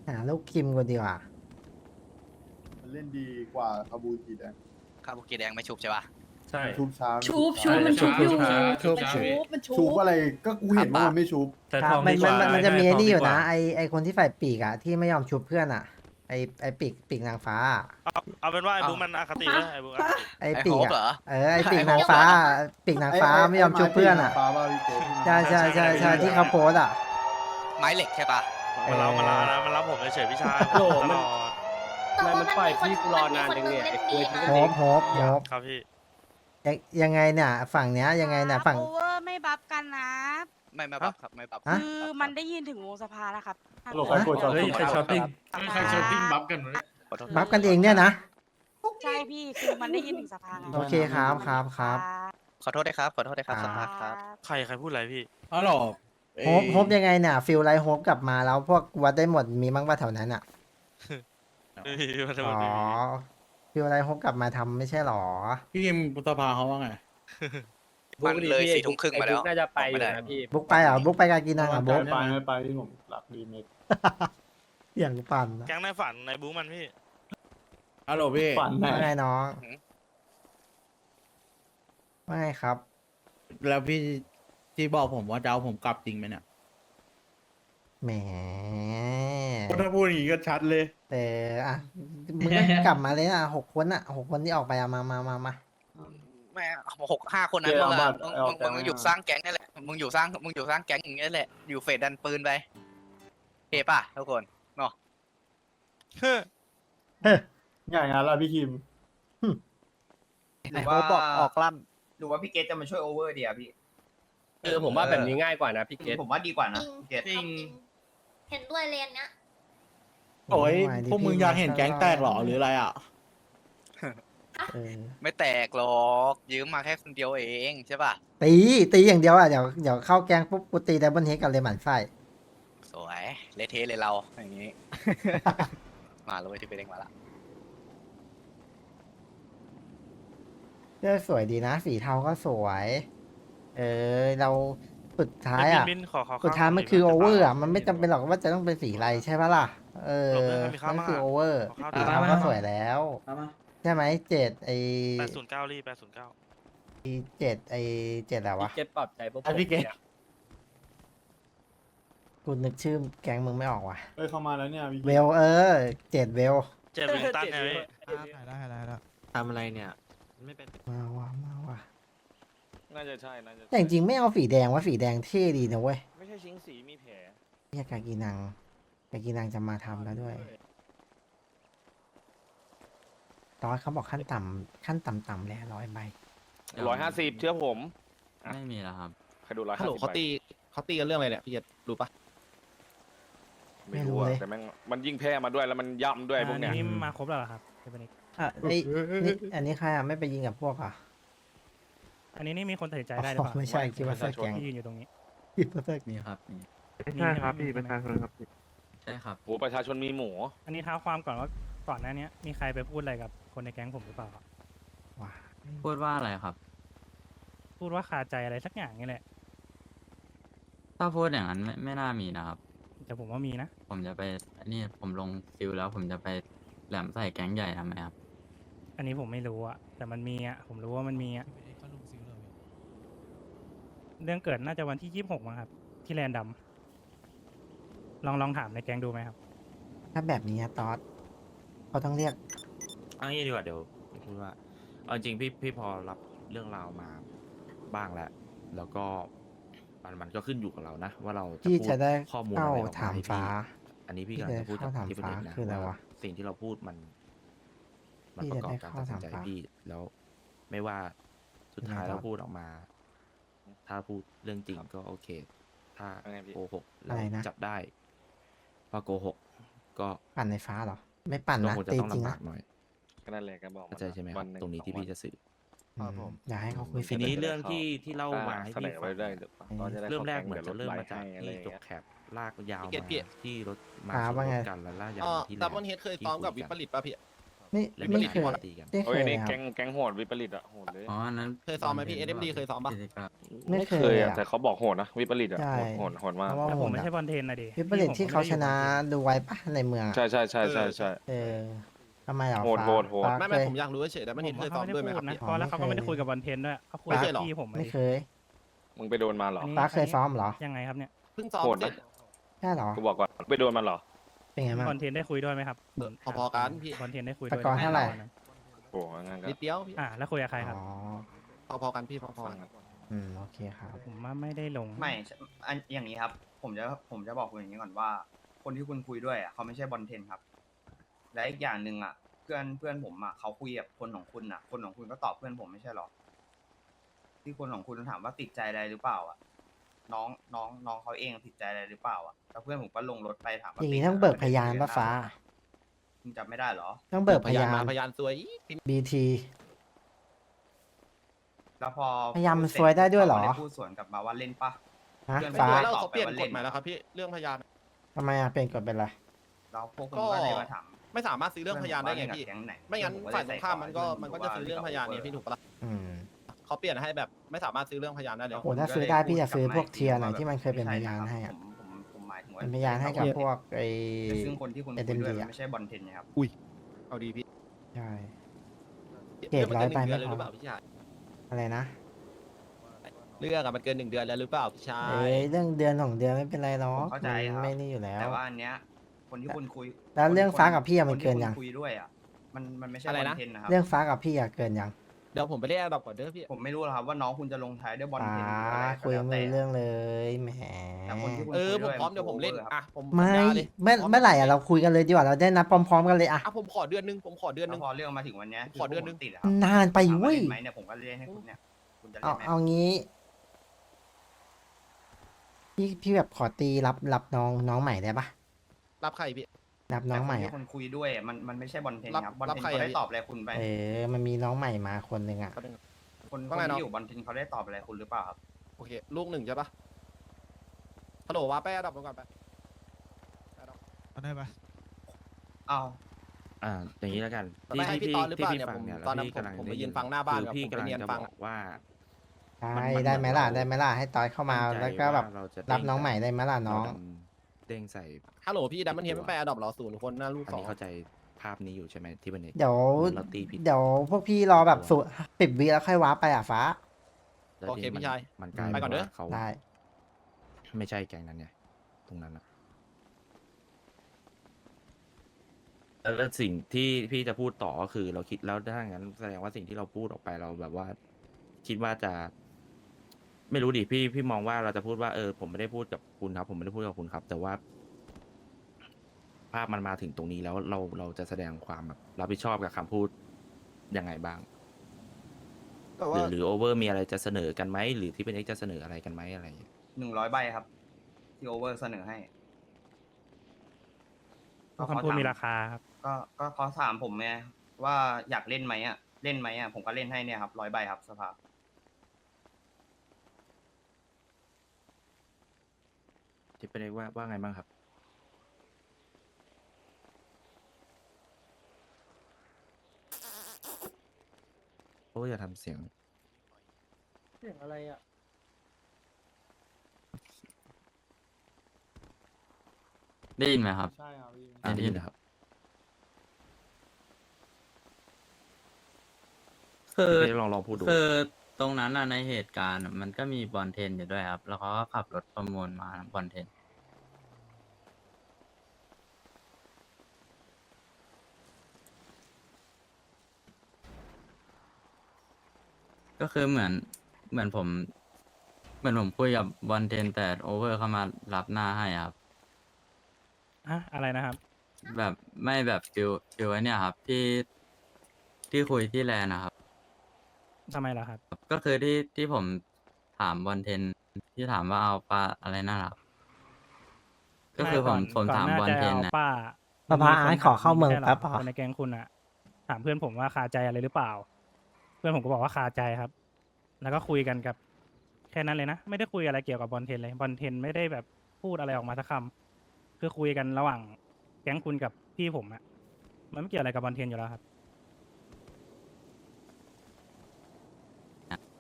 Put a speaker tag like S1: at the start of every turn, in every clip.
S1: หาลูกคิมกันดีกว่า
S2: มันเล่นดีกว่าคาบูจิแดง
S3: คาบุกิแดงไม่ชุบใช่ปะ
S4: ใช่
S2: ชุบช้า
S5: ชุบ
S2: ช้า
S5: มันชุบอยู่
S4: ชุบ
S5: มันชุ
S2: ชุ
S5: บบ
S2: อะไรก็กูเห็นว่ามันไม่ชุบ
S4: แต่
S1: ค
S4: ท
S1: รั
S4: อบ ง
S1: มัน
S4: ดีกว่า
S1: มันจะมี
S4: ใช่
S1: ไอ้นี่อยู่
S4: ทงดีก
S1: นะ
S4: ว่า
S1: ไอคนที่ใส่ปีกอะที่ไม่ยอมชุบเพื่อนอะไอปีกนางฟ้าอะ
S6: เอาเป็นว่าไอ้บุ๊กมันอคติเลยไอ้บุ๊กอคติ
S1: ไอ
S3: ไอ้
S1: ปี
S3: โฮ
S1: ก
S3: ปเหร
S1: อะ
S3: อ
S1: ไอปีกนางฟ้าปีกนางฟ้าไม่ยอมชุบเพื่อนอะ
S2: ฟ้าบ้าพี่เจ
S1: ใช่ใช่ที่เขาโพสต์อะ
S3: ไม้เหล็กใช่ปะ
S6: มันเล่ามันเล่านะมันเล่าผมเฉยๆพี่ชาย
S4: โหล
S6: ต
S4: มัน
S6: ลอด
S4: มันปล่อยพี่กูรอนานจังเนี่ยไอ้กล้วยที่
S1: โฮ
S4: ก็
S1: ปโฮปโฮป
S6: ครับพี่
S1: ยังไงเนี่ยฝั่งเนี้ยยังไงเนี่ยฝั่ง
S7: โอเวอร์ไม่บัฟกันนะ
S3: ไม่บับครับไม่บับ
S1: ฮะ
S7: คือมันได้ยินถึงวงสภาแล้วครับ
S2: โหลใครกดช็อต
S4: เฮ้ยใครช้อปปิ้ง
S7: ใครช้อปปิ้งบัฟกัน
S3: ขอโทษ
S1: บัฟกันเองเนี่ยนะ
S7: ใช่พี่คือมันได้ยินถึงสภาไง
S1: โอเคครับครับครับ
S3: ขอโทษด้วยครับขอโทษด้วยครับ
S1: อ่า
S3: สภาพครับ
S6: ใครพูดอะไรพี่
S4: อ๋อหรอ
S1: โฮปยังไงเนี่ยฟิลไลท์โฮปกลับมาแล้วพวกวัดได้หมดมีมั้งป่ะแถวนั้นอะ
S6: ไม่มีขอโท
S1: อ๋
S6: ษ
S1: อ
S6: ไม่มี
S1: ฟิลไลท์โฮปกลับมาทำไม่ใช่หรอ
S4: พี่ยิมบุษภาเขาว่าไง
S3: มันเลย4 ทุ่มครึ่งมาแล้ว
S4: น่าจะไปอยู่
S3: ไม่ได้
S4: นะพี่
S1: บุ๊กไปเหรอบุ๊กไปกากินังเหรอบุ๊ก
S2: ไม่ไปที่ผมหลับดีเมก
S1: อย่างปั่นนะ
S6: แก๊งในฝันในบุ๊กมันพี่
S4: ฮัลโหลพี่
S2: ฝันแน่
S1: ว่าไงน้องว่าไงครับ
S4: แล้วพี่ที่บอกผมว่าจะเอาผมกลับจริงไหมเนี่ย
S1: แหม
S4: ถ้าพูดอย่างนี้ก็ชัดเลย
S1: แต่อ่ะมึงก็กลับมาเลยนะ6 คนอ่ะ6 คนที่ออกไปอะมา
S3: แม่5 คนนั้นมึงอะมึงอยู่สร้างแก๊งนี่แหละมึงอยู่สร้างแก๊งอย่างนี้แหละอยู่เฟดดันปืนไปโอเคป่ะทุกคนเนาะ
S2: ง่ายงานละพี่คิม
S8: หรือว่าออกล่ำหรือว่าพี่เกตจะมาช่วยโอเวอร์ดีอะพี่
S4: ผมว่าแบบนี้ง่ายกว่านะพี่เกต
S8: ผมว่าดีกว่านะพี่เกต
S5: จริงเห็นด้วยเลนเนี้ย
S1: ๆ
S4: โอ้ย
S1: ไดิ
S4: พวกมึงอยากเห็นแก๊งแตกเหรอหรืออะไรอ่ะ
S1: เออ
S3: ไม่แตกหรอกยืมมาแค่คนเดียวเองใช่ป่ะ
S1: ตีอย่างเดียวอ่ะเดี๋ยวเข้าแกงปุ๊บกูตีดับเบิลเฮดกันเลยหมั่นไส้
S3: สวยเละเทะเลยเราอย่างนี้ มาแล้วเว้ยที่ไปเด้งมาละ
S1: เลือกสวยดีนะสีเทาก็สวย เราสุดท้ายอ่ะ
S6: บินขอ
S1: สุดท้ายมันคือโอเวอร์อ่ะมันไม่จำเป็นหรอกว่าจะต้องเป็นสีอะไรใช่ปะล่ะนั่นคือโอเวอร์สีเทาก็สวยแล้วใช่ไหม
S6: 809รี809
S1: 7อะไรวะ
S4: เกตปรับใจพวกผมเนี่ย
S1: กูนึกชื่อแก๊งมึงไม่ออกว่ะ
S2: เข้ามาแล้วเนี่ยพี่
S1: เวล7เวล
S6: เจ็บวิงตันไงพี่
S9: ทำอะไรเนี่ยไม่เป็น
S1: มาว่ะ
S6: น่าจะใช่น่าจะ
S1: แต่จริงๆไม่เอาสีแดงว่าสีแดงเท่ดีนะเว้ย
S6: ไม่ใช่ชิงสีมีแผล
S1: เนี่ยกากีนังจะมาทำแล้วด้วยตอนเขาบอกขั้นต่ำแล้ว100 ใบ
S6: 150เชื่อผม
S9: ไม่มีแล้วครับ
S6: ใครดู150
S9: ฮัลโหลเขาตีกันเรื่องอะไรเนี่ยพี่เจษรู้ปะ
S1: ไม่รู้เลย
S6: แต่มันยิ่งแพ้มาด้วยแล้วมันย่ำด้วยพวกเนี้ย
S10: นี่มาครบแล้วเหรอครับเทปนิก
S1: อ่ะนี่อันนี้ใครอ่ะไม่ไปยิงกับพวกอ่ะ
S10: อันนี้นี่มีคนตัดสินใจได้หรือเปล่า
S1: ไม่ใช่คิดว่าเสื้อแก๊ง
S10: ที่ยืนอยู่ตรงนี้
S1: คิดว่าเสื้อ
S9: มีครับมี
S10: ใช่ครับพี่ประชาชนครับ
S9: ใช่ครับ
S6: โอ้ประชาชนมีหมู
S10: อันนี้เท้าความก่อนว่าก่อนหน้านี้มีใครไปพูดอะไรกับคนในแก๊งผมหรือเปล่าครับ
S1: ว้า
S9: พูดว่าอะไรครับ
S10: พูดว่าคาใจอะไรสักอย่างนี่แหละ
S9: ถ้าพูดอย่างนั้นไม่น่ามีนะครับ
S10: แต่ผมว่ามีนะ
S9: ผมจะไปนี่ผมลงซิลแล้วผมจะไปแหลมใส่แก๊งใหญ่ทำไมครับ
S10: อันนี้ผมไม่รู้อะแต่มันมีอะผมรู้ว่ามันมีอะเรื่องเกิดน่าจะวันที่26มั้งครับ ที่แลนดัมลองถามในแก๊งดูไหมครับ
S1: ถ้าแบบนี้อะตอดเขาต้องเรียก
S11: เอางี้ดีกว่าเดี๋ยวพูดว่าเอาจริงพี่พอรับเรื่องราวมาบ้างแล้วแล้วก็มันก็ขึ้นอยู่กับเรานะ ว่าเราจะ
S1: ที่
S11: พูด
S1: จะได้
S11: ข้อมูล
S1: เข้า
S11: อะไรออก
S1: ถาม
S11: มาให้
S1: ฟ้า
S11: พี่อันนี้พี่กำลังจะพูดจากที่ประเด็นนะ
S1: คืออะไรวะ
S11: ว่าสิ่งที่เราพูดมัน
S1: ที่
S11: ประกอบ
S1: จะได้
S11: การ
S1: เข้า
S11: ตัดสินใจ
S1: ถามฟ้า
S11: พี่แล้วไม่ว่าสุดท้าย
S1: ยังไง
S11: เรา
S1: ครับ
S11: พูดออกมา ถ้าพูดเรื่องจริงก็โอเค ถ้า
S6: ว่าไงพี่
S11: โกหก
S1: อะ
S11: เรา
S1: ไรนะ
S11: จับได้ว่าโกหกก็
S1: ปั่นในฟ้าเหรอ ไม่ปั่น
S11: ก็
S1: นะ
S11: คงจะ
S1: ตี
S11: ต้อง
S1: จริง
S11: ลำ
S1: นะ
S11: บากหน่อย
S6: ก็นั่นแหละก็บอก
S11: เข้าใจใช่ไหมครับตรงนี้ที่พี่จะสื่อ
S1: อยากให้เขาคุย
S11: ทีนี้เรื่องที่เล่ามาให้
S6: เสน
S11: พี่
S6: อ
S11: ฟั
S6: ไว้
S11: ง
S6: ได้
S11: เริ่มแรกเหมือนจะเริ่มมาจากที่จบแคปลากยาวมาที่รถมาชนรถกันแล้วลากยาวมาที่
S9: ดับเบิลเฮดเคยซ้อมกับวิปริตป่ะพี่
S1: ไม่
S11: และ
S1: ไม่
S11: มี
S1: เคย
S11: การตีกัน
S1: ไม่เค
S6: เฮ้ย
S1: ย
S6: นี่
S1: ครับ
S6: แก๊งโหดวิปริตอะโหดเลย
S9: อ๋ออันนั้น
S8: เคยซ้อมไหมพี่ SMD เคยซ้อมปะ
S9: กิจกรรม
S1: ไม่เคย
S6: อะ
S1: อะ
S6: แต่เขาบอกโหดนะวิปริตอะ
S1: ใช่
S6: โหดมาก
S1: เพราะว่า
S10: แต่
S1: ผ
S10: ผม
S1: ม
S10: ไม่
S1: อะ
S10: ใช่บอลเทนนะดิ
S1: วิปริตที่เขาชนะดูไว้ปะในเมืองอะ
S6: ใช่ใช่ใช่ใช่ใช่
S1: เออทำไมเหรอ
S6: โหด
S1: ฟ้า
S6: โหดโหด
S1: ฟ้า
S8: ไม่
S1: เคย
S8: ผมอยากรู้เฉยๆแต่มัน
S10: ผ
S8: เห็น
S10: ม
S8: เคย
S10: ว่า
S8: ซ้อ
S10: เขา
S8: ม
S10: ไม่
S8: ด้วย
S10: ได้
S8: ไหม
S10: พู
S8: ครับพี่
S10: ดนะเพราะแล้วเขาก็
S1: ไม่
S10: ไม่ได้
S1: เคย
S10: คุยกับบอลเทนด้วยเขาคุย
S8: ไม่
S10: กั
S8: เค
S10: บ
S8: ยหรอ
S10: พี่ผม
S1: ไม่เคย
S6: มึงไปโดนมาเหรอ
S10: อันนี้
S1: ฟ้าเคยซ้อมเหรอ
S10: ยังไงครับเนี่ย
S8: เพิ่งซ้อม
S6: โหด
S8: เสร็
S6: นะ
S8: จ
S1: ใช่เหรอ
S6: กูบอกก่อนไปโดนมันเหรอ
S1: เป็นไงบ้าง
S10: บอลเทนได้คุยด้วยไหมครับ
S8: พอๆกันพี่
S10: บอลเทนได้คุย
S1: แต่
S10: ด้วย
S1: ก่อนเท่าไหร่
S6: โอ้งั้นก็
S8: นิดเดียวพี่
S10: แล้วคุยกับใครครับ
S1: อ๋อ
S8: พอๆกันพี่พอๆ
S6: ฟั
S8: กั
S6: ง
S8: น
S6: อะ
S1: โอเคครับ
S10: ผมว่าไม่ได้ลง
S12: ไม่อันอย่างนี้ครับ ผมจะบอกคุณอย่างนี้ก่อนว่า คนที่คุณคุยด้วยอ่ะเขาไม่ใช่บอลเทนครับ และอีกอย่างหนึ่งอ่ะ เพื่อนผมอ่ะเขาคุยกับคนของคุณอ่ะ คนของคุณก็ตอบเพื่อนผมไม่ใช่หรอ ที่คนของคุณถามว่าติดใจอะไรหรือเปล่าอ่ะ น้องเขาเองติดใจอะไรหรือเปล่าอ่ะแล้วเพื่อนผมก็ลงรถไปถามว่า
S1: อย่างนี้
S12: ติด
S1: ต้องเบิกพยานปะฟ้า
S12: คุณจำไม่ได้เหรอ
S1: ต้องเบิกพยาน
S8: มาพยานซวยอีก
S1: BT
S12: แล้วพอ
S1: พยายามมัน
S12: พูเสร็จ
S1: ซวยได้ด้วยเหรอ
S12: ขาก็พูดสวนกลับมาว่าเล่นปะ
S1: ฮะ
S12: เพื่อน
S8: ไม่
S1: ฟ้า
S8: ซวยแล้วเขาเปลี่ยนกฎใหม่แล้วครับพี่เรื่องพยาน
S1: ทำไมอะเปลี่ยนกฎเป็นไร
S12: แล้วพวกคุณ
S8: ก็
S12: ก็เลยมาถาม
S8: ไม่สามารถซื้อเรื่องพยานได้ไงพี่
S12: เพื่อนผมว่าเล่นกับแก๊งไหน
S8: ไม่งั้น
S12: เพื่อนผมก็
S8: ฝ่ายตรงข้าม
S12: เลย
S8: มันก็จะซื้อเรื่องพยานเนี่ยพี่ถูกปะล่ะ
S1: อืม
S8: เขาเปลี่ยนให้แบบไม่สามารถซื้อเรื่องพยานได้เลย
S1: โอ้ถ้าซื้อได้พี่จะซื้อพวกเทียร์หน่อยที่มันเคยเป็นพยานให้อะ
S12: ผมหมายถึงว่า
S1: เป็นพยานให้กับพวกไอ้
S12: ซึ่งคนที่คุณคุย
S1: SMD
S12: ด้วยมัน
S1: อะ
S12: ไม่ใช่บอลเทนนะครับ
S8: เอาดีพี่
S1: ใช่ เกรดร้อยไปไม่
S8: เรื่อง
S1: พอ
S8: นเกิน1 เดือนเลยหรือเปล่าพี่ชาย
S1: อะไรนะ
S8: เรื่องอะมันเกิน1 เดือนแล้วหรือเปล่าพี่ชา
S1: เอ้
S8: ย
S1: ยเรื่องเดือน2 เดือนไม่เป็นไรหรอก
S12: ผมเข้าใจครับ
S1: ไม่นี่อยู่แล้ว
S12: แต่ว่าอันเนี้ยคนที่คุณคุย
S1: แล้วเรื่องฟ้ากับพี่อะมัน
S12: คที่
S1: เกินยัง
S12: คุณคุยด้วยอ่ะมันไม่ใช่บอลเทนนะครับ
S1: เรื่องฟ้ากับพี่อะเกินยัง
S8: เดี๋ยวผมไปเรียกดอกก่อนเด้อพี่
S12: ผมไม่รู้หรอกครับว่าน้องคุณจะลงท้ายด้วยบอล
S1: ฟ้า
S12: เทนหรืออะไรก็
S1: คุย
S12: แล้ว
S1: ไม่
S12: แต่
S1: รู้เรื่องเลยแหม
S12: แต่คนที่คุณ
S8: ผมพร้อมเดี๋ยวผมเล่น
S12: ครับ
S8: อ่ะผม
S1: ไม่
S8: สัญญาเลย
S1: เมื่อไหร่อะเราคุยกันเลยดีกว่าเราได้นัดพร้อมๆกันเลยอะ
S8: อ่ะผมขอเดือนนึงผมขอเดือนนึ
S12: แล้ว
S8: ง
S12: พอเรื่องมาถึงวันเนี้ย
S8: ขอเดือนนึง
S12: ติดะครับ
S1: นานไป
S12: ถามว่า
S1: เว้ย
S12: เล่นไหมเนี่ยผมก็เล่นให้คุณเนี่ยคุณจะเล่นไหม
S1: เอางี้พี่แบบขอตีรับน้องใหม่ได้ปะ
S8: รับใครพี่
S1: รับน้องใหม่
S12: แต่ค
S1: อะ
S12: ที่คุณคุยด้วยอะมันไม่ใช่บอลเทนครับบอล
S8: รับ
S12: เทน
S8: ใคร
S12: เขาได้
S8: อะพี่
S12: ตอบอะไรคุณไป
S1: มันมีน้องใหม่มาคนหนึ่งอะ
S12: คน
S8: ว่าไงน้อง
S12: ที่อยู่บอลเทนเขาได้ตอบอะไรคุณหรือเปล่าครับ
S8: โอเคลูก1ใช่ปะฮัลโหลว่าแป้ดับก่อนไป
S4: ได้ปะ
S12: อ้าว
S11: อย่างนี้แล้วกัน
S8: ไม่ใช่พี่ตอนหรือเปล่าเนี่ย
S11: ฟัง
S8: ผม
S11: เนี่ย
S8: ตอนนั้น
S11: พี่กำลัง
S8: ผมไป
S11: ด้
S8: ยืนฟังหน้าบ้าน
S11: คือ
S8: กับ
S11: พี่
S8: ผมไป
S11: กำลัง
S8: เรียน
S11: จะ
S8: ฟั
S11: บ
S8: ง
S11: อกว่า
S1: ได้
S11: มัน
S1: ได้ไหมล่ะ
S11: เรา
S1: ได้ไหมล่ะให้ตอยเข้ามา
S11: มั่นใจ
S1: แล้วก็แบบ
S11: ว่าเราจะ
S1: รับน้องใหม่ได้ไหมล่ะน้อง
S11: เราเด้งใส่
S8: ฮัลโหลพี่ดัมเบิลเฮดไม่ไปอดอปเหรอ0 คนหน้าลูก
S11: อัน
S8: 2
S11: นี้เข้าใจภาพนี้อยู่ใช่ไหมที่เป็นเอก
S1: เดี๋ยว
S11: เราตีผิด
S1: เดี๋ยวพวกพี่รอแบบ10 วิแล้วค่อยว้าร์ปไปอะฟ้า
S11: แล้ว
S8: โอเค
S11: ทีนี้
S8: พี่ชาย
S11: มันกลาย
S8: ไปก่อนเด้อ
S11: ว่าเขา
S1: ได้
S11: ไม่ใช่แก๊งนั้นไงตรงนั้นอะแล้วสิ่งที่พี่จะพูดต่อก็คือเราคิดแล้วถ้างั้นแสดงว่าสิ่งที่เราพูดออกไปเราแบบว่า คิดว่าจะ ไม่รู้ดิพี่มองว่าเราจะพูดว่าผมไม่ได้พูดกับคุณครับ ผมไม่ได้พูดกับคุณครับ แต่ว่า ภาพมันมาถึงตรงนี้แล้วเราจะแสดงความแบบรับผิดชอบกับคำพูดยังไงบ้าง
S8: แต่
S11: ห
S8: ว่า
S11: รือโอเวอร์มีอะไรจะเสนอกันไหมหรือที่เป็นเอ็กจะเสนออะไรกันไหมอะไรอย่างเงี้ย
S12: 100 ใบครับ ที่โอเวอร์เสนอให้
S10: คำพูดมีราคาครับ
S12: ก็เขาถามผมไงว่าอยากเล่นไหมอ่ะเล่นไหมอ่ะผมก็เล่นให้เนี่ยครับ100 ใบครับสภา
S11: ที่เป็นเอ็กว่าไงบ้างครับโอ้ยอย่าทำเสียง
S1: เรื่องอะไรอะ
S9: ได้ยินไหมครับ
S2: ใช่ครับพี่
S11: ได้ยินนะครับ
S9: คือ
S11: พี่ลองพูดดู
S9: คือตรงนั้นน่ะในเหตุการณ์อะมันก็มีบอลเทนอยู่ด้วยครับ แล้วเขาก็ขับรถประมูลมาบอลเทน ก็คือเหมือนผมคุยกับบอลเทนแต่โอเวอร์เข้ามารับหน้าให้อะครับ
S10: อะไรนะครับ
S9: แบบไม่แบบฟิวไอ้เนี่ยครับที่คุยที่แลนด์นะครับ
S10: ทำไมล่ะครับ
S9: ก็คือที่ผมถามบอลเทนที่ถามว่าเอาปลาอะไรนั่นแหละครับก็คือผม
S10: ก่อน
S9: ถาม
S10: หน้
S9: บอล
S10: จะ
S9: เทน
S10: อา
S9: นะ
S10: ป้า
S1: ป้าพาอาร์ตขอเข้าเมือง
S10: ไใช่หร
S1: แป๊บเหรอ
S10: คนในแก๊งคุณอะถามเพื่อนผมว่าคาใจอะไรหรือเปล่า เพื่อนผมก็บอกว่าคาใจครับ แล้วก็คุยกันกับแค่นั้นเลยนะ ไม่ได้คุยอะไรเกี่ยวกับบอลเทนเลยบอลเทนไม่ได้แบบพูดอะไรออกมาสักคำคือคุยกันระหว่างแก๊งคุณกับพี่ผมอะมันไม่เกี่ยวอะไรกับบอลเทนอยู่แล้วครับ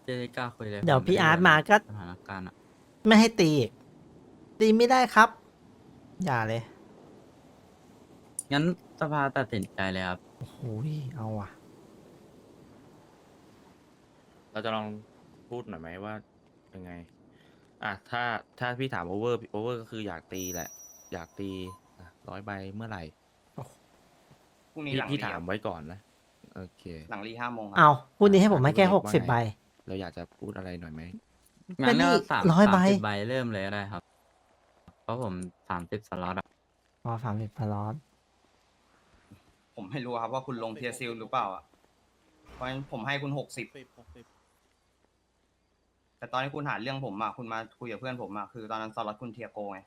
S9: จะได้กล้าคุยเลย
S1: เดี๋ยว
S9: ผ
S1: พี่
S9: ไได้
S1: อาร์ตมาก็
S9: สถานการณ์อะ
S1: ไม่ให้ตีอีกตีไม่ได้ครับ อย่าเลย
S9: งั้นสภาตัดสินใจเลยครับ
S1: โอ้โหเอาว่ะ
S11: เราจะลองพูดหน่อยไหมว่ายังไง ถ้าพี่ถามโอเวอร์ก็คืออยากตีแหละ อยากตี100 ใบเมื่อไหร่
S12: พรุ่งนี้หลัง
S11: พี่
S12: รี
S11: ถาม
S12: ครับ
S11: ไว้ก่อนนะ โอเค
S12: หลังรี5 โมงครั
S1: เอาพูดนี้ให้ผมให้แค่
S11: อ่ะ
S1: 60 ใบ
S11: เราอยากจะพูดอะไรหน่อยไหม
S9: งั้นก็
S1: ก็นี่ 100 ใบ
S9: 30 ใบเริ่มเลยก็ได้ครับ เพราะผม30 สล็อตอะ
S1: อ๋อ30 พลอต
S12: ผมไม่รู้ครับว่าคุณลงเทียซิลหรือเปล่าอ่ะเพราะฉะนั้นผมให้คุณ60แต่ตอนที่คุณหาเรื่องผมอ่ะคุณมาคุยกับเพื่อนผมอ่ะคือตอนนั้นสล็อตคุณเทียโกไง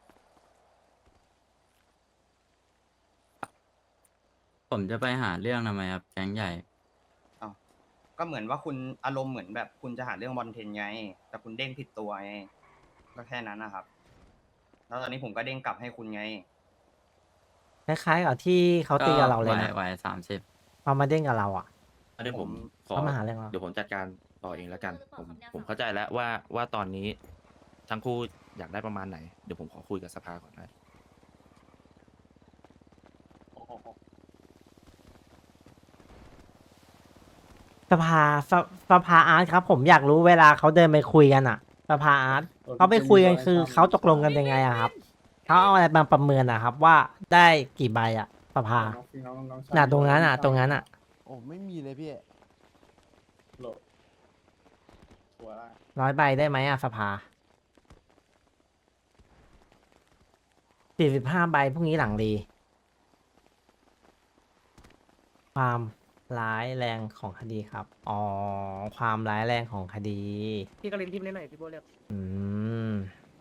S9: ผมจะไปหาเรื่องทำไมครับแก๊งใหญ่
S12: ก็เหมือนว่าคุณอารมณ์เหมือนแบบคุณจะหาเรื่องบอลเทนไง แต่คุณเด้งผิดตัวไงก็แค่นั้นนะครับ แล้วตอนนี้ผมก็เด้งกลับให้คุณไง
S1: คล้ายๆกับที่เขาตีกับเราเลยนะ
S9: ไหว30
S1: พอมาเด้งกับเราอ่ะ
S11: เดี๋ยวผมขอ
S1: เขามาหาเรื่องเรา
S11: เดี๋ยวผมจัดการต่อเองแล้วกัน ผมเข้าใจแล้วว่าตอนนี้ทั้งคู่อยากได้ประมาณไหน เดี๋ยวผมขอคุยกับสภาก่อนนะ
S1: สภาสภาอาร์ตครับ ผมอยากรู้เวลาเขาเดินไปคุยกันอ่ะ สภาอาร์ตเขาไปคุยกันคือเขาตกลงกันยังไงอะครับเขาเอาอะไรมาประเมินอะครับ ว่าได้กี่ใบอะสภา
S2: น้องชาย
S1: น่ะตรงนั้นอะตรงนั้นอะ
S4: โอ้ไม่มีเลยพี่
S2: โหลดตัวได้
S1: 100 ใบได้ไหมอะสภา45 ใบพรุ่งนี้หลังดี ความร้ายแรงของคดีครับ อ๋อ ความร้ายแรงของคดี
S8: พี่กลินทิมได้หน่อยพี่โบเรียก
S1: อืม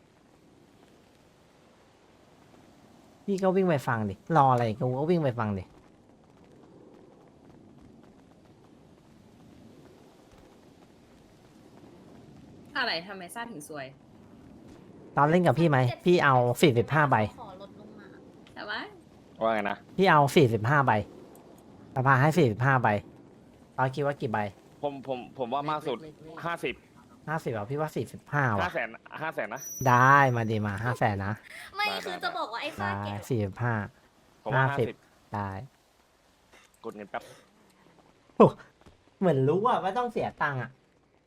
S1: พี่ก็วิ่งไปฟังดิ รออะไรกูก็วิ่งไปฟังดิ
S5: อะไรทำไมซ่าถึงสวย
S1: ตอนเล่นกับพี่ไหม พี่เอา45 ใบ
S5: ขอลดลงมา แต่ว่า
S6: ว่าไงนะ
S1: พี่เอา45 ใบสภาให้45 ใบตอนคิดว่ากี่ใบ
S6: ผมว่ามากสุด50
S1: 50อ่ะพี่ว่า45ว่ะ
S6: 500,000 นะ
S1: ได้มาดีมา500,000นะ
S5: ไม่
S6: ได้
S5: คือ
S6: ได้
S5: จะบอกว่าไอ้ฟ้า
S1: ได้
S5: แก่
S1: 45
S6: ผมว่า
S1: ได้
S6: 50กดเงินแป๊บ
S1: เหมือนรู้อะว่าต้องเสียตังค์อะ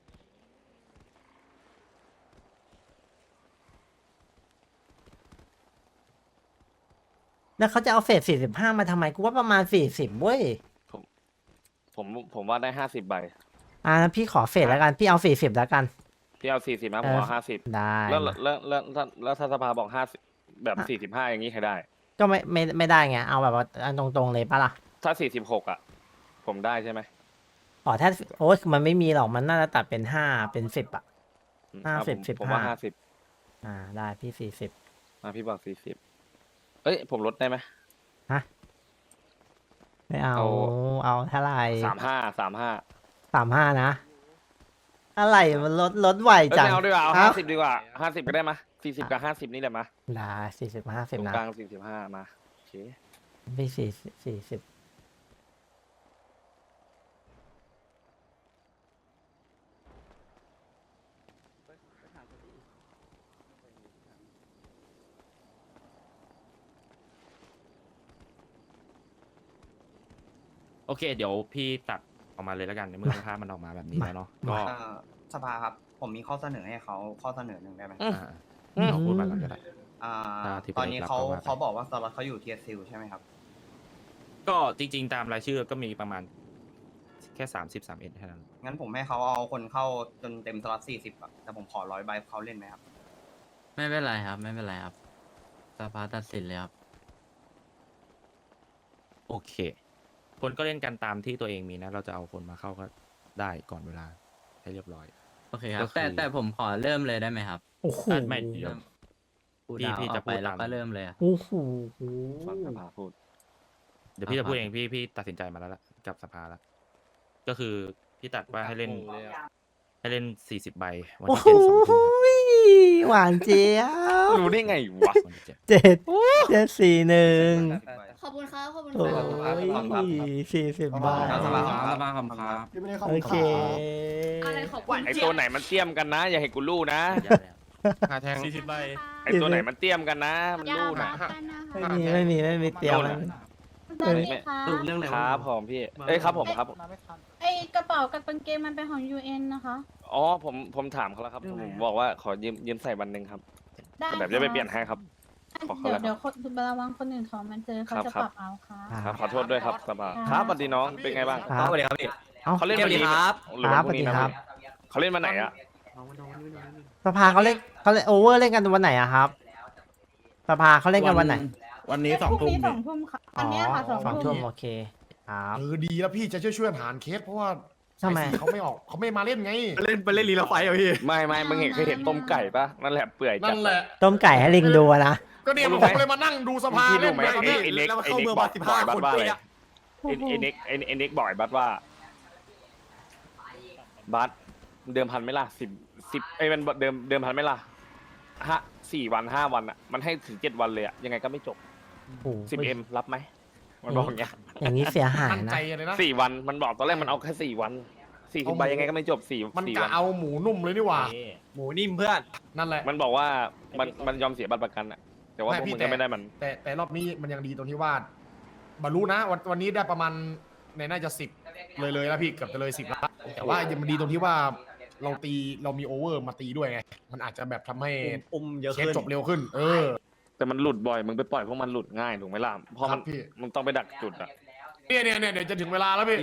S1: แล้วเขาจะเอาเศษ45มาทำไมกูว่าประมาณ40เว้ย
S6: ผมว่าได้50 ใบ
S1: งั้นพี่ขอเศษแล้วกัน พี่เอา40แล้วกัน
S6: พี่เอา40นะผมเอา50
S1: ได้
S6: แล้วถ้าสภาบอก50แบบ45อย่างนี้ใครได้
S1: ก็ไม่ได้ไง เอาแบบว่าอันตรงๆเลยปะล่ะ
S6: ถ้า46อ่ะ ผมได้ใช่ไหม
S1: อ๋อถ้าโอ้ยมันไม่มีหรอก มันน่าจะตัดเป็น5เป็น10อะ 50
S6: ผมว่า
S1: 15ได้พี่40
S6: 50พี่บอก40เอ้ยผมลดได้ไหม
S1: ไม่เอา
S6: เอา
S1: เอาเท่าไหร่
S6: 35
S1: 35นะอะไรมันลดไหว
S6: เอ้ย
S1: จัง
S6: ไม่เอาดีกว่าเอา
S1: เอ้า
S6: 50ดีกว่า50ก็ได้มา40กับ50นี่แหละมา
S1: ได้40
S6: ตร
S1: 50
S6: ง
S1: นะ
S6: กลาง45มาโอเค
S1: พี่40
S11: โอเค เดี๋ยวพี่ตัดออกมาเลยแล้วกันในเมื่อภาพมันออกมาแบบนี้แล้วเนาะ ก็
S12: สภาครับ ผมมีข้อเสนอให้เขาข้อเสนอหนึ่งได้ไหม
S11: เราพูดมาก่อนก็ได้
S12: อ่า
S11: ที่
S12: ตอนนี้
S11: ประเด็นหลัก
S12: เขา
S11: ก็ว่าไป
S12: เขาบอกว่าสล็อตเขาอยู่เทียซิลใช่ไหมครับ
S11: ก็จริง ๆ ตามรายชื่อก็มีประมาณแค่30-31แค่นั้น
S12: งั้นผมให้เขาเอาคนเข้าจนเต็มสล็อต40อะแต่ผมขอ100 ใบเขาเล่นไหมครับ
S9: ไม่เป็นไรครับ ไม่เป็นไรครับสภาตัดสินเลยครับ
S11: โอเค คนก็เล่นกันตามที่ตัวเองมีนะ เราจะเอาคนมาเข้าก็ได้ก่อนเวลาให้เรียบร้อย
S9: โอเคครั
S11: ก็
S9: บ
S11: คือ
S9: แต่ผมขอเริ่มเลยได้ไหมครับ
S1: โอ้โห
S11: ไม่เดี๋ยว
S9: พูด
S11: พี่
S9: ดาว
S11: จะ
S9: ออกไป
S11: พูด
S9: แล้ว
S11: ตาม
S9: ก็เริ่มเลยอะ
S1: โอ้โห
S6: ฟังสภาพูด
S11: เดี๋ยวพี่จะพูดเองพี่ตัดสินใจมาแล้วล่ะกับสภาแล้ว ก็คือพี่ตัดว่าให้เล่น 40 ใบวัน
S1: โอ้
S11: ที่
S1: โห
S11: 7 2 ทุ่มครับ
S1: หวานเจี๊ยบ
S6: รู้ได้ไงวะ
S1: 741
S5: ขอบคุณครับขอบคุณ
S1: โอ้
S5: ครับ
S1: ย40 บาท
S9: สภาครับสภาคำครับ
S2: พี่ไม่ได้เข้า
S1: โอเค
S5: อะไรขอบคุณ
S6: ไอตัวไหนมันเตี้ยมกันนะ อย่าให้กูรู้นะ
S10: 40 ใบ
S6: ไอตัวไหนมันเตี้ยมกันนะ มันรู้นะ
S1: ไม่มีเตรียม
S9: เรื่องอะไร
S6: ครับผมพี่ เอ้ยครับผมครับ
S5: ไอ้กระเป๋ากับกางเกงมันเป็นของ UN นะคะ
S6: อ๋อผมถามเขาแล้วครับ ผมบอกว่าขอยืมใส่วันหนึ่งครับ
S5: ได้
S6: แต่แบบจะไปเปลี่ยนให้ครับ ขอเขาแล้ว
S5: เดี๋ยวระวังคนอื่นเขามันเจอเขาจะ
S6: ครับ
S5: ปรับเอาค่ะ
S6: ครับขอโทษด้วยครับสบายครับสวัสดีน้องเป็นไงบ้าง
S1: ครับ
S8: สวัสดีครับพี่
S1: เอ้า
S6: เขาเล่นวันนี้หรือ
S1: ครั
S6: ว่า
S1: บ
S6: พรุ่งนี้นะครับ เขาเล่นมาไหนอะ
S1: สภาเขาเล่นโอเวอร์เล่นกันวันไหนอะครับสภาเขาเล่นกันวันไหน
S4: วันนี้2 ทุ่ม
S5: สองทุ่มค่ะวันนี้ค่ะสองทุ่ม
S1: โอเคครับ
S2: ดีแล้วพี่จะช่วยหารเคสเพราะว่า
S1: ทำไม
S2: อ้สี่เขาไม่ออกเขาไม่มาเล่นไง
S8: เล่นรีลาไฟอ่ะพี่
S6: ไม่มึงเคยเห็นต้มไก่ปะนั่นแหละเปื่อยจั
S2: นั่
S6: ด
S2: นแหละ
S1: ต้มไก่ให้ลิงดูอะนะ
S2: ก็เนี่ย
S6: รู้
S2: ผ
S6: ไหม
S2: มเลยมานั่งดูสภา
S6: พี่
S2: เล่
S6: รู้
S2: น
S6: ไหม
S2: ไปครับพี่
S6: ไอเน็ก
S8: แล้วมัน
S6: ไอ
S8: เข้า
S6: เน็
S8: เมื
S6: ก
S8: อง
S6: บอก
S8: มา
S6: บ่อย
S8: 15
S6: บัต
S8: คน
S6: ว่าอะไร
S8: เป๊ะ
S6: ไอเน็กบอกบัตว่าบัตเดิมพันไหม่ล่ะ10ไอ้มันเดิมพันไหม่ล่ะ4 วัน 5 วันอะมันให้ถึง7 วันเลยอะยังไงก็ไม่จบ
S1: โอ้โห
S6: 10M รับไหมมันบอกอย่างเงี้ย
S1: อย่างนี้เสียหาย
S2: มั่น
S1: นะ
S2: ใจเลยนะ
S6: 4 วันมันบอกตอนแรกมันเอาแค่4 วัน40 ใบยังไงก็ไม่จบ4
S2: มัน
S6: 4
S2: กะ
S6: วัน
S2: เอาหมูนุ่มเลยนี่หว่า
S8: หมูนิ่มเพื่อน
S2: นั่นแหละ
S6: มันบอกว่ามันยอมเสียบัตรประกันอะแต่ว่าพวกมึงก็ไม่ได้มัน
S2: แต่รอบนี้มันยังดีตรงที่ว่าบรรลุนะวันนี้ได้ประมาณในน่าจะ10เลยแล้วพี่เกือบจะเลย10แล้วแต่ว่ายังมันดีตรงที่ว่าเรามีโอเวอร์มาตีด้วยไงมันอาจจะแบบทำให้
S8: เยอะ
S2: เคส
S8: ขึ้น
S2: จบเร็วขึ้น
S6: แต่มันหลุดบ่อยมึงไปปล่อยพวกมันหลุดง่ายถูกไหมล่ะเพราะมัน
S2: ครับพี่
S6: มึงต้องไปดักจุดอะ
S2: เนี่ยเดี๋ยวจะถึงเวลาแล้วพี่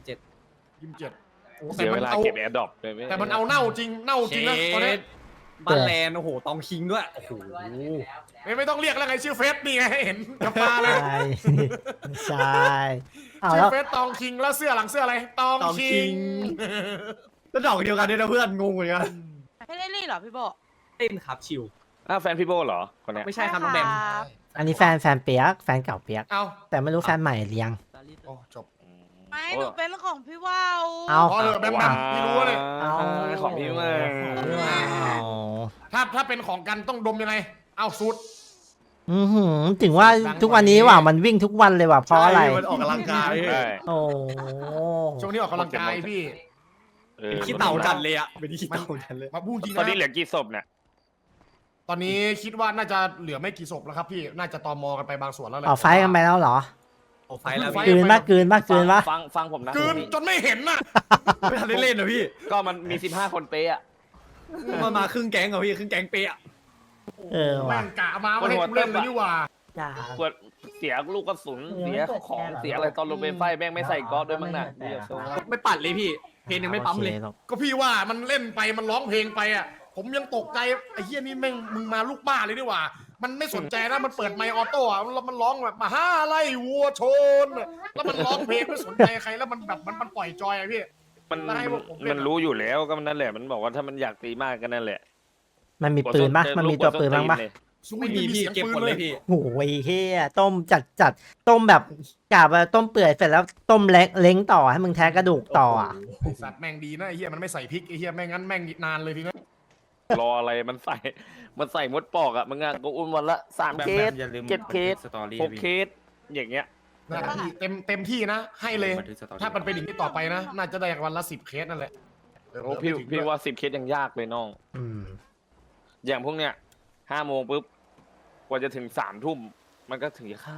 S8: 27
S2: โอ้
S6: เสียเวลาเก็บแอร์ดรอปเลย
S2: แต่มันเอาเน่าจริงนะตอนนี้
S8: บ้านแลนด์โอ้โหตองคิงด้วยโอ้โห
S2: ไม่ต้องเรียกแล้วไงชื่อเฟสนี่ไงให้เห็นกับตาเลย
S1: ใช่ ใช่เอา
S2: ชื่
S1: แล้
S2: อ
S1: ว
S2: เฟสตองคิงแล้วเสื้อหลังเสื้ออะไรตอง
S8: ตองคิ
S2: คิง
S8: ง แล้วดอกเดียวกันด้วยนะเพื่อนงงเหมือนกัน
S7: ไม่ได้รีเหรอพี่โบ
S8: เต้นครับชิว
S6: แฟนพี่โบเหรอคนเนี้ย
S8: ไม่ใช่ครับน้องแบม
S1: อันนี้แฟนเปียกแฟนเก่าเปียก
S2: เอา
S1: แต่ไม่รู้แฟนใหม่หรือยัง
S2: โอ้จบ
S7: ไม่หนูเป็นของพี่ว่าว
S1: เอา
S2: พอเถอะแบมพี่รู้เลย
S1: เอา
S6: ของพี่มา
S1: เอา
S2: ถ้าเป็นของกันต้องดมยังไง เอาสุด
S1: ถึงว่าทุกวันนี้ว่ะมันวิ่งทุกวันเลยว่ะเพราะอะไร
S8: ใช่มันออกกำลังกาย
S6: ใช่
S1: โอ้
S2: ช่วงนี้ออกกำลังกายพี่
S8: เป็นขี้เต่าจัดเลยอ่ะเป็นขี้เต่าจัดเลย
S2: มาพูดจริง
S6: ตอนนี้
S2: นะ
S6: เหลือกี่ศพเนี่ย
S2: ตอนนี้คิดว่าน่าจะเหลือไม่กี่ศพแล้วครับพี่น่าจะตอมอกันไปบางส่วนแล้วแหละ
S1: ออกไฟท์กันไปแล้วเหรอ
S8: โอ้ไฟแล้ว
S2: ไฟ
S8: พี่
S1: กลืนปะกลืนปะกลืนปะ
S6: ฟังผมนะ
S2: กลืนจนไม่เห็นน่ะ
S8: ไม่ทันได้เล่นเหรอพี่
S6: ก็มันมี15 คนเป๊ะอะ
S8: มาครึ่งแก๊งเหรอพี่ครึ่งแก๊งเป๊ะ
S1: เออ
S2: แม่
S1: ว่ะ
S2: งกะมาไม่ให้กูเล่นเลยนี่หว่า
S1: จ้า
S6: ปวดเสียลูกกระสุนเสียของเสียอะไรตอนลงไปไฟแม่งไม่ใส่ก๊อซด้วยมั้งน่ะเดี๋ยวโซ่
S8: ไม่ปัดเลยพี่ เพลงยังไม่ปั๊มเลย
S1: โอคหรอก
S2: ก็พี่ว่ามันเล่นไปมันร้องเพลงไปอ่ะผมยังตกใจไอ้เฮียนี่แม่งมึงมาลูกบ้าเลยดีกว่า มันไม่สนใจนะมันเปิดไมค์ออโต้อะแล้วมันร้องแบบมาห้าไล่วัวชนอะแล้วมันร้องเพลงไม่สนใจใครแล้วมันแบบมันปล่อยจอยอะพี่
S6: มัน
S2: แล้วให้พวกผมเล่น
S6: มันรู้อยู่แล้วก็มันนั่นแหละมันบอกว่าถ้ามันอยากตีมากก็นั่นแหละ
S1: มันมีปืนปะมันมีตัวปืนบ้างปะ
S8: ไม่มีพี่เก็บหมดเลยพี่
S1: โอ้ยเฮียต้มจัดต้มแบบกาบว่าต้มเปื่อยเสร็จแล้วต้มเล้งต่อให้มึงแท้กระดูกต่ออ่ะ
S2: ไอ้สัตว์แม่งดีนะไอ้เฮียมันไม่ใส่พริกไอ้เฮียแม่งั้นแม่งนานเลยทีนะ
S6: รออะไรมันใส่มดปอกอ่ะมึงอ่ะก็อุ้มวันละ3 เคส
S11: อย่าลืม
S6: 7 เคส
S11: สตอรี่
S6: 6 เคสอย่างเงี้ย
S2: นะพี่เต็มที่นะ ให้เลย
S11: บันทึกสตอรี่
S2: ถ้ามันเป็นอย่างนี้ต่อไปนะ น่าจะได้วันละ10 เคสนั่นแหละ
S6: โอ้พี่ว่า10 เคสยังยากเลยน้อง
S1: อืม
S6: อย่างพวกเนี้ย5 โมงปุ๊บกว่าจะถึง3 ทุ่มมันก็ถึงจะเข้า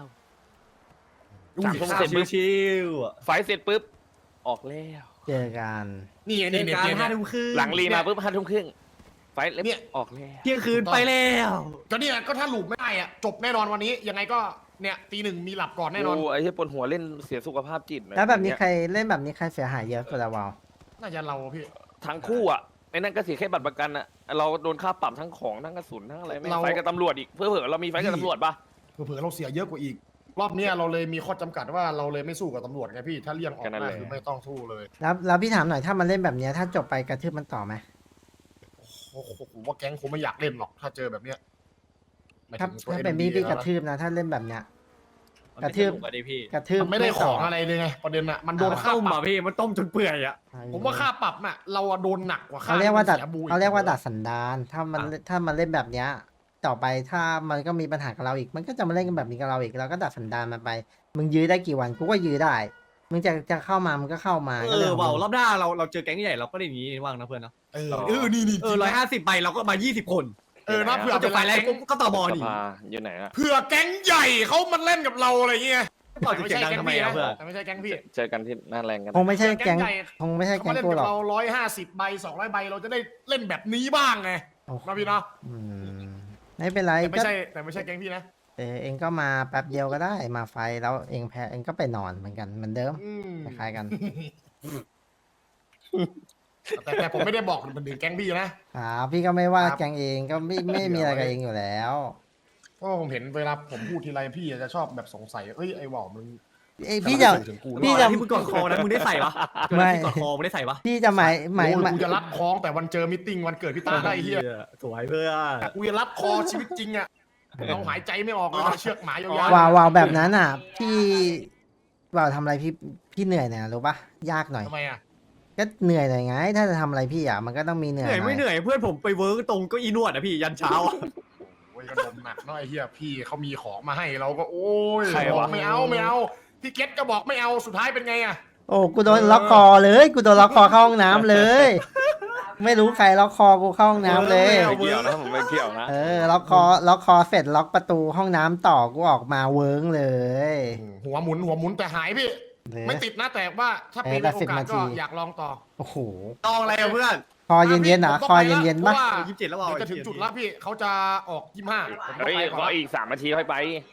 S6: 3 ทุ่มเสร็จปุ๊บ
S8: ชิวๆอ่ะ
S6: ไฟเสร็จปุ๊บออกแล้ว
S1: เจอกัน
S2: นี่ไง
S8: เล่
S2: นี่
S8: น
S2: เนี่ย
S8: การ
S2: เนี่ย
S8: 5 ทุ่มครึ่ง
S6: หลังรีมาปุ๊บ5 ทุ่มครึ่งไฟเล็บ
S2: เนี่ย
S6: ออกแล้ว
S8: เที่ยงคืนไปแล้ว
S2: ก็เนี่ยก็ถ้าหลูบไม่ได้อะจบแน่นอนวันนี้ ยังไงก็เนี่ยตี 1มีหลับก่อนแน่นอน
S6: โไอ้ที่ปวดหัวเล่นเสียสุขภาพจิตะ
S1: แล้วแบบนี้
S6: อย่าง
S1: ใคร
S6: เงี้ย
S1: เล่นแบบนี้ใครเสียหายเยอะสุดละวาว
S2: น่าจะเราพี่
S6: ทั้งคู่อ่ะไอ้นั่นก็เสียแค่บัตรประกันอ่ะเราโดนค่าปรับทั้งของทั้งกระสุนทั้งอะไรไม่ง
S2: เรา
S6: ไฟกับตำรวจอีกเพื่อเรามีไฟกับตำรวจปะ
S2: เผื่อๆเราเสียเยอะกว่าอีก รอบเนี้ยเราเลยมีข้อจำกัดว่าเราเลยไม่สู้กับตำรวจไงพี่ ถ้าเลี่ยงออกได้คือไม่ต้องสู้เลย
S1: แล้วพี่ถามหน่อยถ้ามันเล่นแบบเนี้ยถ้าจบไปกระทืบมันต่อไหม
S2: โอ้โหผมว่าแก๊งคงไม่อยากเล่นหรอกถ้าเจอแบบเนี้ยหมาย
S1: ถ้า
S2: ถึงตัว
S1: ถ้าเป็น
S2: NMD
S1: พี่กระ
S2: นะ
S1: ทืบนะถ้าเล่นแบบเนี้ยกระทืบ
S8: สนุกอะดิพี่
S1: กระทืบ
S2: มันไม่ได้ข
S1: ต่
S2: องอะไรเลยไงประเด็นอะมันโดนค่า
S8: ต้ม
S2: ปรั
S8: อ่ะ
S2: บ
S8: พี่มันต้มจนเปื่อยอ่ะ
S2: ผมว่าค่าปรับน่ะเราอะโดนหนักกว่าค่า
S1: เขาเรียกว่าดัด
S2: สีบูอี
S1: เขาเรียกว่าดัดสันดานถ้ามันเล่นแบบเนี้ย ต่อไปถ้ามันก็มีปัญหากับเราอีก มันก็จะมาเล่นกันแบบนี้กับเราอีกเราก็ดัดสันดานมันไป มึงยื้อได้กี่วันกูก็ยื้อได้ มึงจะเข้ามามึงก็เข้ามาก็รื่องของ
S8: เบา
S1: มึง
S8: รอบหน้าเราเจอแก๊งใหญ่เราก็ได้อย่างนี้ว่างนะเพื่อนเนาะ
S2: นี่
S8: 150 ใบเราก็มา 20 คน
S2: นะเผื่อ
S8: จะ
S2: เป็น
S8: ไฟ
S2: ไร
S8: แรงก็ต่อบอล
S6: ส
S8: นี่
S6: ภาอยู่ไหนอะ
S2: เผื่อแก๊งใหญ่เขามันเล่นกับเราอะไรเงี้ย
S8: ต่อจะเสียงดังทำไมอ่ะเพื่อน
S2: แต่ไม่ใช่แก๊งพี่
S6: เจอกันที่หน้าแรงกัน
S1: คงไม่ใช่แก๊ง
S2: ใหญ่
S1: คงไม่ใช่
S2: เขา
S1: แก๊
S2: มาง เล่น
S1: กู
S2: กับ
S1: หรอก
S2: เรา150 ใบ200 ใบเราจะได้เล่นแบบนี้บ้างไง
S1: โอ้โห
S2: นะพี่เนาะ
S1: อืมไม่เป็นไร
S2: แต่ไม่
S1: ก็
S2: ใช่แต่ไม่ใช่แก๊งพี่นะ
S1: เองก็มาแป๊บเดียวก็ได้มาไฟแล้วเองแพ้เองก็ไปนอนเหมือนกันเหมือนเดิม
S2: อืม
S1: คล้ายๆกัน
S2: แต่ผมไม่ได้บอกมันถึงแก๊งพี่นะครับ
S1: พี่ก็ไม่ว่า
S2: ครับ
S1: แก๊งเองก็ไม่มีอะไรกับเองอยู่แล้ว
S2: เพราะผมเห็นเวลาผมพูดทีไรพี่จะชอบแบบสงสัยเอ้ยไอ้หว่อมึง
S1: เอ้ยพี่จะ
S2: ทำไมถึงกู
S1: พี่จะ
S8: ที่มึงกอดคอนะมึงได้ใส่ปะ
S1: ไม่
S8: ที่กอดคอมึงได้ใส่ปะ
S1: พี่จะหมาย
S2: โอ้ยกูจะรัดคล้องแต่วันเจอมิทติ้งวันเกิดพี่ตาได้เฮีย
S8: สวยเพื่อน
S2: แต่กูจะรัดคอชีวิตจริงอ่ะเราหายใจไม่ออกเลยนะเชือกหมายาว
S1: วาวแบบนั้นอ่ะ พี่วาวทำอะไรพี่เหนื่อยเนี่ยรู้ปะยากหน่อย
S2: ทำไมอ่ะ
S1: ก็เหนื่อยหน่อยไง ถ้าจะทำอะไรพี่อ่ะมันก็ต้องมีเหนื่
S8: เห
S1: อย
S8: นื่อย
S1: หน่
S8: ไม่
S1: อย
S8: เหนื่อยเพื่อนผมไปเวิร์กตรงเก็อีนวดอ่ะพี่ยันเช้าอะ
S2: โอ้ยกระดมหนักเนาะไอ้เฮียพี่เขามีของมาให้เราก็โอ้ย
S6: ใครวะ
S2: บอกไม่เอาพี่เก็ตก็บอกไม่เอาสุดท้ายเป็นไงอ่ะ
S1: โอ้กูโดนล็อกคอเลยกูโดนล็อกคอเข้าห้องน้ำเลย ไม่รู้ใครล็อกคอกูเข้าห้องน้ำเลย
S6: ไม่เกี่ยวนะผมไม่เกี่ยวนะ
S1: ล็อกคอเสร็จล็อกประตูห้องน้ำต่อกูออกมาเวิ้งเลย
S2: หัวหมุนแต่หายพี่ ไม่ติดนะแต่ว่าถ้าเป็น
S1: แต่
S2: โอ
S1: 10
S2: กาส
S1: นาที
S2: ก็อยากลองต่อ
S1: โอ้โห
S8: ลองอะไรอ่ะเพื่อน
S1: คอเย็นๆนะคอเย็นๆปะ
S2: เพราะว่า
S8: 27แล้วเปล่า
S2: เดี๋ยวจะถึงจุดแล้วพี่เขาจะออก25ผมต้อง
S6: เฮ้ย
S2: ไปก่อน
S6: รอ
S2: ละ
S6: อีก3 นาทีค่อยไป